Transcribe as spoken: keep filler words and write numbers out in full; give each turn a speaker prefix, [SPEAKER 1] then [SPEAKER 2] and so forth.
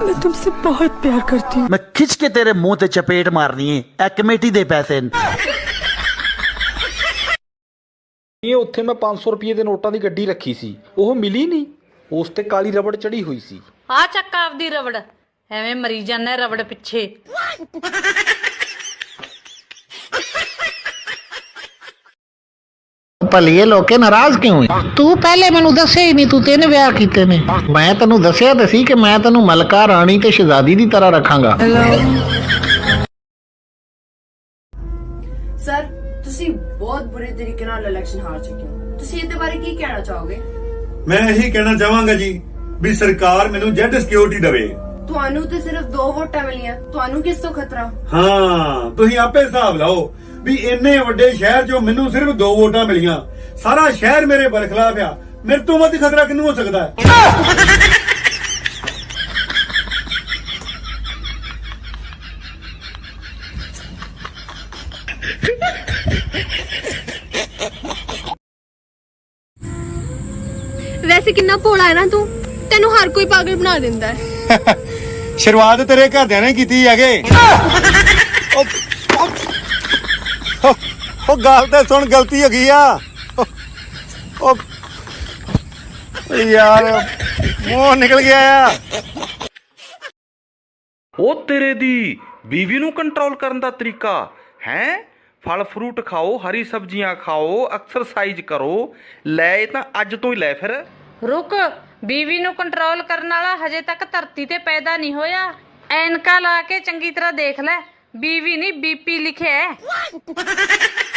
[SPEAKER 1] मैं तुमसे बहुत प्यार करती हूँ।
[SPEAKER 2] मैं खिंच के तेरे मुंह ते चपेट मारनी है। ए कमेटी दे पैसे
[SPEAKER 3] ਇਹ ਉੱਥੇ ਮੈਂ ਪੰਜ ਸੌ ਰੁਪਏ ਦੇ ਨੋਟਾਂ ਦੀ ਗੱਡੀ ਰੱਖੀ ਸੀ, ਉਹ ਮਿਲੀ ਨਹੀਂ। ਉਸ ਤੇ ਕਾਲੀ ਰਬੜ ਚੜੀ ਹੋਈ ਸੀ।
[SPEAKER 4] ਆ ਚੱਕ ਆਪਦੀ ਰਬੜ, ਐਵੇਂ ਮਰੀ ਜਾਂਦਾ ਰਬੜ ਪਿੱਛੇ।
[SPEAKER 5] ਭਲੀਏ ਲੋਕੇ ਨਾਰਾਜ਼ ਕਿਉਂ ਹੈ? ਤੂੰ ਪਹਿਲੇ ਮੈਨੂੰ ਦੱਸਿਆ ਹੀ ਨਹੀਂ, ਤੂੰ ਤਿੰਨ ਵਿਆਹ ਕੀਤੇ ਨੇ। ਮੈਂ ਤੈਨੂੰ ਦੱਸਿਆ ਤੇ ਸੀ ਕਿ ਮੈਂ ਤੈਨੂੰ ਮਲਕਾ ਰਾਣੀ ਤੇ ਸ਼ਹਿਜ਼ਾਦੀ ਦੀ ਤਰ੍ਹਾਂ ਰੱਖਾਂਗਾ।
[SPEAKER 6] ਸਰ ਤੁਸੀਂ ਬਹੁਤ ਬੁਰੇ ਤਰੀਕੇ ਨਾਲ ਇਲੈਕਸ਼ਨ ਹਾਰ ਚੁੱਕੇ ਹੋ, ਤੁਸੀਂ ਇਹਦੇ ਬਾਰੇ ਕੀ ਕਹਿਣਾ ਚਾਹੋਗੇ?
[SPEAKER 7] ਮੈਂ ਇਹੀ ਕਹਿਣਾ ਚਾਹਾਂਗਾ ਜੀ ਵੀ ਸਰਕਾਰ ਮੈਨੂੰ ਜੈਡ ਸਿਕਿਉਰਿਟੀ ਦੇਵੇ।
[SPEAKER 6] ਤੁਹਾਨੂੰ ਤੇ ਸਿਰਫ ਦੋ ਵੋਟਾਂ ਮਿਲੀਆਂ, ਤੁਹਾਨੂੰ ਕਿਸ ਤੋਂ ਖਤਰਾ?
[SPEAKER 7] ਹਾਂ ਤੁਸੀਂ ਆਪੇ ਹਿਸਾਬ ਲਾਓ ਵੀ ਇੰਨੇ ਵੱਡੇ ਸ਼ਹਿਰ 'ਚੋਂ ਮੈਨੂੰ ਸਿਰਫ ਦੋ ਵੋਟਾਂ ਮਿਲੀਆਂ, ਸਾਰਾ ਸ਼ਹਿਰ ਮੇਰੇ ਬਰਖਲਾਫ ਆ, ਮੇਰੇ ਤੋਂ ਵੱਧ ਖਤਰਾ ਕਿਹਨੂੰ ਹੋ ਸਕਦਾ ਹੈ?
[SPEAKER 8] ਵੈਸੇ ਕਿੰਨਾ ਭੋਲਾ ਹੈ ਨਾ ਤੂੰ, ਤੈਨੂੰ ਹਰ ਕੋਈ ਪਾਗਲ ਬਣਾ ਦਿੰਦਾ ਹੈ।
[SPEAKER 7] ਸ਼ੁਰੂਆਤ ਤੇਰੇ ਘਰਦਿਆਂ ਨੇ ਕੀਤੀ ਹੈਗੇ। ਉਹ ਗੱਲ ਤੇ ਸੁਣ, ਗਲਤੀ ਹੋ ਗਈ ਆ। ਉਹ ਯਾਰ ਮੂੰਹ ਨਿਕਲ ਗਿਆ ਆ।
[SPEAKER 9] ਉਹ ਤੇਰੇ ਦੀ ਬੀਵੀ ਨੂੰ ਕੰਟਰੋਲ ਕਰਨ ਦਾ ਤਰੀਕਾ ਹੈ। ਫਲ ਫਰੂਟ ਖਾਓ, ਹਰੀ ਸਬਜ਼ੀਆਂ ਖਾਓ, ਐਕਸਰਸਾਈਜ਼ ਕਰੋ। ਲੈ ਇਹ ਤਾਂ ਅੱਜ ਤੋਂ ਹੀ ਲੈ ਫਿਰ।
[SPEAKER 4] ਰੁਕ, ਬੀਵੀ ਨੂੰ ਕੰਟਰੋਲ ਕਰਨ ਵਾਲਾ ਹਜੇ ਤੱਕ ਧਰਤੀ ਤੇ ਪੈਦਾ ਨਹੀਂ ਹੋਇਆ। ਐਨਕਾਂ ਲਾ ਕੇ ਚੰਗੀ ਤਰ੍ਹਾਂ ਦੇਖ ਲੈ, ਬੀਵੀ ਨਹੀਂ ਬੀਪੀ ਲਿਖਿਆ ਹੈ।